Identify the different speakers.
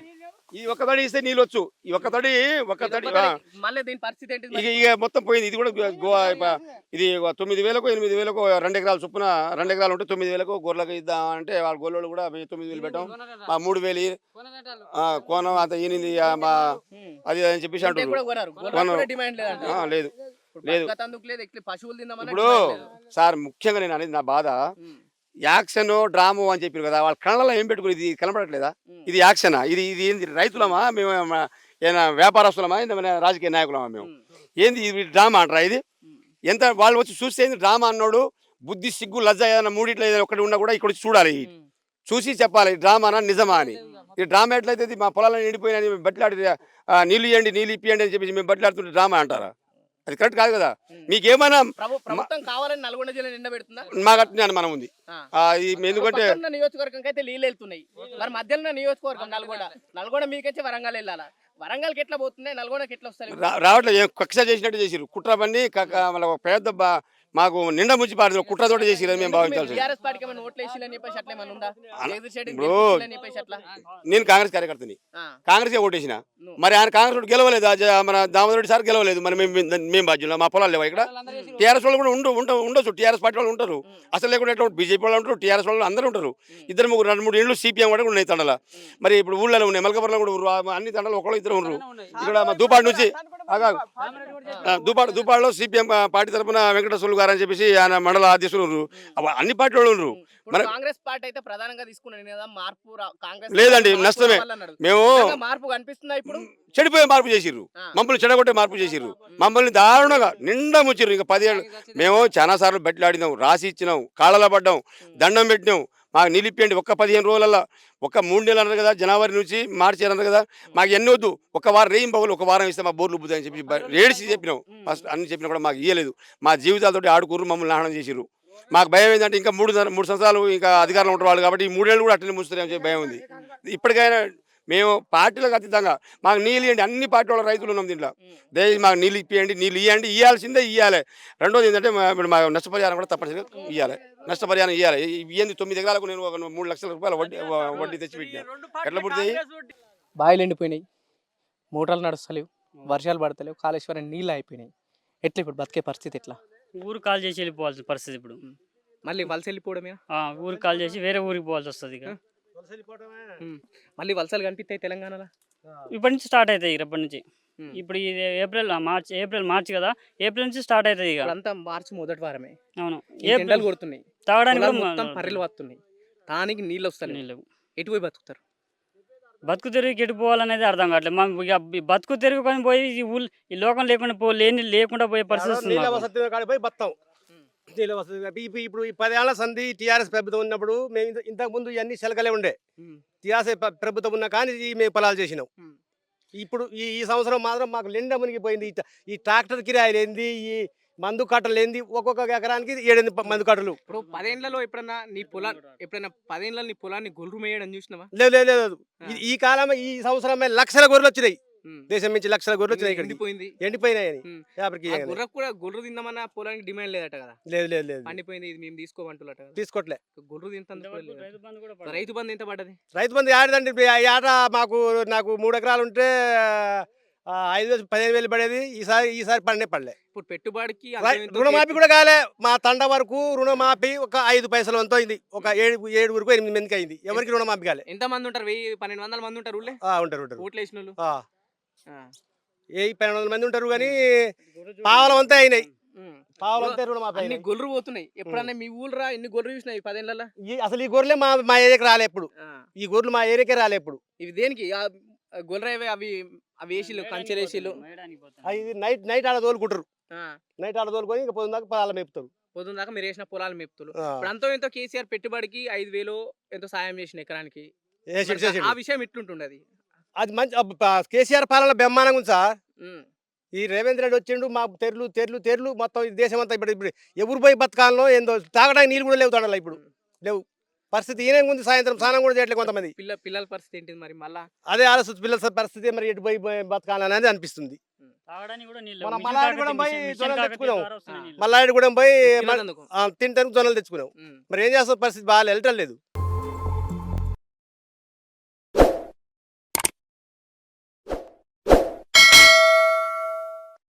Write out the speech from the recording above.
Speaker 1: ఈ ఒక్క తడి ఇస్తే నీళ్ళు వచ్చు. ఈ ఒక్క తడి
Speaker 2: మళ్ళీ దీని పరిస్థితి ఏంటి
Speaker 1: ఇక ఇక మొత్తం పోయింది. ఇది కూడా ఇది 9,000కో 8,000కో 2 ఎకరాల చొప్పున 2 ఎకరాలు ఉంటే 9,000కో గొర్రెలకు ఇద్దామంటే వాళ్ళ గొర్రెలు కూడా 9,000 పెట్టాం. 3,000 కోనం అంత ఈనింది అది అని చెప్పేసి అంటారు. లేదు లేదు ఇప్పుడు సార్ ముఖ్యంగా నేను అనేది నా బాధ యాక్షన్ డ్రామో అని చెప్పారు కదా, వాళ్ళ కళ్ళలో ఏం పెట్టుకుని ఇది కనపడట్లేదా? ఇది యాక్షనా? ఇది ఇది ఏంది? రైతులమా మేము? ఏమైనా వ్యాపారస్తులమా? ఏమైనా రాజకీయ నాయకులమా మేము? ఏంది ఇది డ్రామా అంటారా? ఇది ఎంత వాళ్ళు వచ్చి చూస్తే ఏంది డ్రామా అన్నాడు? బుద్ధి సిగ్గు లజ్జ ఏదైనా మూడిట్లో ఏదైనా ఒకటి ఉన్నా కూడా ఇక్కడ వచ్చి చూడాలి, చూసి చెప్పాలి డ్రామానా నిజమా అని. ఈ డ్రామా ఎట్లయితే మా పొలాలను ఎండిపోయినా మేము బట్లాడి నీళ్ళు ఇవ్వండి నీళ్ళు ఇప్పియండి అని చెప్పేసి మేము బట్లాడుతుంటే డ్రామా అంటారా? అది కరెక్ట్ కాదు కదా. మీకేమైనా మాకు అట్నే అనుమానం ఉంది. ఎందుకంటే
Speaker 2: నియోజకవర్గం అయితే నీళ్ళు వెళ్తున్నాయి, మరి మధ్యలో నియోజకవర్గం నల్గొండ మీకైతే వరంగల్ వెళ్ళాలా? వరంగల్కి ఎట్లా పోతున్నాయి, నల్గొండకి ఎట్లా వస్తాయి?
Speaker 1: రావట్లేదు. కక్ష చేసినట్టు చేసిరు, కుట్ర పని పెద్ద మాకు నిండా ముంచి పాడు కుట్రతోటి చేసి మేము భావించాల్సి. నేను కాంగ్రెస్ కార్యకర్తని, కాంగ్రెస్ ఓటేసిన. మరి ఆయన కాంగ్రెస్ గెలవలేదు, మన దామోదరెడ్డి సార్ గెలవలేదు. మరి మేము బాధ్యులు, మా పొలాలు లేవా ఇక్కడ? టీఆర్ఎస్ వాళ్ళు కూడా ఉండొచ్చు, టీఆర్ఎస్ పార్టీ వాళ్ళు ఉంటారు. అసలు లేకుండా ఎట్లా బీజేపీ వాళ్ళు ఉంటారు, టీఆర్ఎస్ వాళ్ళు అందరూ ఉంటారు. 2-3 ఇండ్లు సిపిఎం కూడా ఉన్నాయి తండల. మరి ఇప్పుడు ఊళ్ళో ఉన్నాయి, మల్కపురంలో కూడా అన్ని తండలు ఒకళ్ళు ఇద్దరు ఉన్నారు. ఇక్కడ మా దూపాడు నుంచి దూపాడులో సిపిఎం పార్టీ తరఫున వెంకటేశ్వర్లు గారు అని చెప్పేసి ఆయన మండల అధ్యక్షులు ఉన్నారు. అన్ని పార్టీ వాళ్ళు ఉన్నారు.
Speaker 2: కాంగ్రెస్ పార్టీ అయితే ప్రధానంగా తీసుకున్నాను కదా మార్పు.
Speaker 1: లేదండి, నష్టమే. మేము
Speaker 2: మార్పు కనిపిస్తుందా ఇప్పుడు?
Speaker 1: చెడిపోయే మార్పు చేసిర్రు, మమ్మల్ని చెడగొట్టే మార్పు చేసిర్రు, మమ్మల్ని దారుణంగా నిండా ముచ్చిర్రు. ఇంకా 10 ఏళ్ళు మేము చాలా సార్లు బెట్లాడినాం, రాసి ఇచ్చినాం, కాళ్ళలో పడ్డాం, దండం పెట్టినాం. మాకు నిలిపియండి ఒక్క 15 రోజులలో, ఒక 3 నెలలు అన్నారు కదా, జనవరి నుంచి మార్చి అన్నారు కదా, మాకు ఎన్ని వద్దు, ఒక వారం రేయం పగులు, ఒక వారం ఇస్తే మా బోర్లు బుద్దని చెప్పి ఏడిసి చెప్పినాం. ఫస్ట్ అన్ని చెప్పినా కూడా మాకు ఇయ్యలేదు. మా జీవితాలతోటి ఆడుకుర్రు, మమ్మల్ని నాశనం చేసిర్రు. మాకు భయం ఏంటంటే ఇంకా 3 సంవత్సరాలు ఇంకా అధికారంలో ఉంటారు వాళ్ళు కాబట్టి ఈ 3 ఏళ్ళు కూడా అట్లనే ముస్తారని చెప్పి భయం ఉంది. ఇప్పటికైనా మేము పార్టీలకు అతీతంగా మాకు నీళ్ళు ఇవ్వండి. అన్ని పార్టీ వాళ్ళ రైతులు ఉన్నాం దీంట్లో. దయచేసి మాకు నీళ్ళు ఇప్పియండి, నీళ్ళు ఇవ్వండి, ఇవ్వాల్సిందే ఇవ్వాలి. రెండోది ఏంటంటే ఇప్పుడు మా నష్టపరిహారం కూడా తప్పనిసరిగా ఇవ్వాలి, నష్టపరిహారం ఇవ్వాలి. ఇవ్వండి 9 ఎకరాలకు నేను ఒక 3 లక్షల రూపాయలు వడ్డీ తెచ్చి పెట్టినాను. ఎట్లా పుడితే
Speaker 2: బావిలు ఎండిపోయినాయి, మోటార్లు నడుస్తలేవు, వర్షాలు పడతలేవు, కాళేశ్వరం నీళ్ళు అయిపోయినాయి. ఎట్లా ఇప్పుడు బతికే పరిస్థితి ఎట్లా?
Speaker 3: ఊరు కాల్ చేసి వెళ్ళిపోవాల్సిన పరిస్థితి ఇప్పుడు.
Speaker 2: మళ్ళీ వలస వెళ్ళిపోవడమే,
Speaker 3: ఊరు కాల్ చేసి వేరే ఊరికి పోవాల్సి వస్తుంది. ఇక
Speaker 2: మళ్ళీ వలసలు కనిపిస్తాయి తెలంగాణలో.
Speaker 3: ఇప్పటి నుంచి స్టార్ట్ అవుతాయి. ఇప్పటి నుంచి ఇప్పుడు ఇది ఏప్రిల్ మార్చి కదా, ఏప్రిల్ నుంచి స్టార్ట్ అవుతుంది. ఇక
Speaker 2: అంతా మార్చి మొదటి వారమే.
Speaker 3: అవును,
Speaker 2: ఎండలు కొడుతున్నాయి,
Speaker 3: తాగడానికి
Speaker 2: మొత్తం పర్రెలు వస్తున్నాయి, దానికి నీళ్ళు వస్తాయి. నీళ్ళు ఎటు పోయి బతుకుతారు?
Speaker 3: బతుకు తెరువుకి ఎటు పోవాలనేది అర్థం కావట్లేదు. మనం ఇక బతుకు తెరుగు కానీ పోయి ఈ లోకం లేకుండా లేకుండా పోయే పరిస్థితి
Speaker 4: ఇప్పుడు ఈ 10 ఏళ్ల సంధి టీఆర్ఎస్ ప్రభుత్వం ఉన్నప్పుడు మేము ఇంతకుముందు ఇవన్నీ శలకలే ఉండే. టీఆర్ఎస్ ప్రభుత్వం ఉన్నా కానీ మేము పొలాలు చేసినాం. ఇప్పుడు ఈ సంవత్సరం మాత్రం మాకు నిండా మునిగిపోయింది. ఈ ట్రాక్టర్ కిరాయిలు ఏంది, ఈ మందు కట్టలు ఏంది, ఒక్కొక్క ఎకరానికి 7 మందు కట్టలు.
Speaker 2: ఇప్పుడు 10 ఏళ్లలో ఎప్పుడైనా 10 ఏళ్ళ నీ పొలాన్ని గొర్రు మేయడం చూసినావా?
Speaker 4: లేదు. ఈ కాలం ఈ సంవత్సరమే లక్షల గొర్రెలు వచ్చినాయి, దేశం నుంచి లక్షల గొర్రెలు వచ్చినాయి. ఎండిపోయినాయని
Speaker 2: గొర్రె తిందామన్నా పొలానికి డిమాండ్ లేదట కదా?
Speaker 4: లేదు
Speaker 2: పండిపోయింది, ఇది మేము తీసుకోమంటున్నట.
Speaker 4: తీసుకోవట్లే.
Speaker 2: గొర్రె తింటాం. రైతు బంధు ఎంత పడ్డది?
Speaker 4: రైతు బంధు ఆడదండి. ఏట నాకు 3 ఎకరాలు ఉంటే 5,000-15,000 పడేది. ఈసారి పడలే.
Speaker 2: ఇప్పుడు పెట్టుబడికి
Speaker 4: రుణమాఫీ కూడా కాలే. మా తండ వరకు రుణమాఫీ ఒక 5 పైసలు అంతా అయింది. ఒక 7 వరకు 8 మందికి అయింది. ఎవరికి రుణమాఫీ కాలే.
Speaker 2: ఎంత మంది ఉంటారు? 1,000-1,200 మంది ఉంటారు.
Speaker 4: ఉంటారు
Speaker 2: ఓట్లు వేసిన వాళ్ళు
Speaker 4: 1,200 మంది ఉంటారు. కానీ పావలం అంతా అయినాయి.
Speaker 2: అన్ని గొర్రెలు పోతున్నాయి. ఎప్పుడన్నా మీ ఊళ్ళో ఎన్ని గొర్రెలు చూసినాయి 10 ఏళ్ళలో?
Speaker 4: అసలు ఈ గొర్రెలే మా ఏరియాకి రాలే. ఎప్పుడు ఈ గొర్రెలు మా ఏరియాకే రాలే. ఎప్పుడు
Speaker 2: ఇవి దేనికి గొర్రె? అవి వేసిలు, కంచెలు వేసిలు,
Speaker 4: అవి నైట్ ఆడ తోలుకుంటారు. నైట్ ఆడ తోలుకొని ఇంకా పొద్దున దాకా పొలాలు మేపుతారు.
Speaker 2: పొద్దున దాకా మీరు వేసిన పొలాలు మేపుతారు. ఇప్పుడు అంతో ఎంతో కేసీఆర్ పెట్టుబడికి 5,000 ఎంతో సాయం చేసిన ఎకరానికి. ఆ విషయం ఎట్లుంటుండది?
Speaker 4: అది మంచి కేసీఆర్ పాలన బ్రహ్మాండంగా ఉంది సార్. ఈ రేవంత్ రెడ్డి వచ్చిండు, మా తెర్లు మొత్తం దేశం అంతా ఇప్పుడు ఎవరు పోయి బతకాలలో ఏందో తాగడానికి నీళ్ళు కూడా లేవు తండలో. ఇప్పుడు లేవు. పరిస్థితి ఈయన ఉంది. సాయంత్రం స్నానం కూడా చేయట్లేదు కొంతమంది.
Speaker 2: పిల్లల పరిస్థితి ఏంటిది మరి? మళ్ళా
Speaker 4: అదే ఆలోచన. పిల్లల పరిస్థితి మరి ఎటు పోయి బతకాలనేది అనిపిస్తుంది. మల్లారెడ్డి కూడా పోయి తింటానికి జొన్నలు తెచ్చుకున్నాం. మరి ఏం చేస్తాం? పరిస్థితి బాగా వెళ్ళటం లేదు.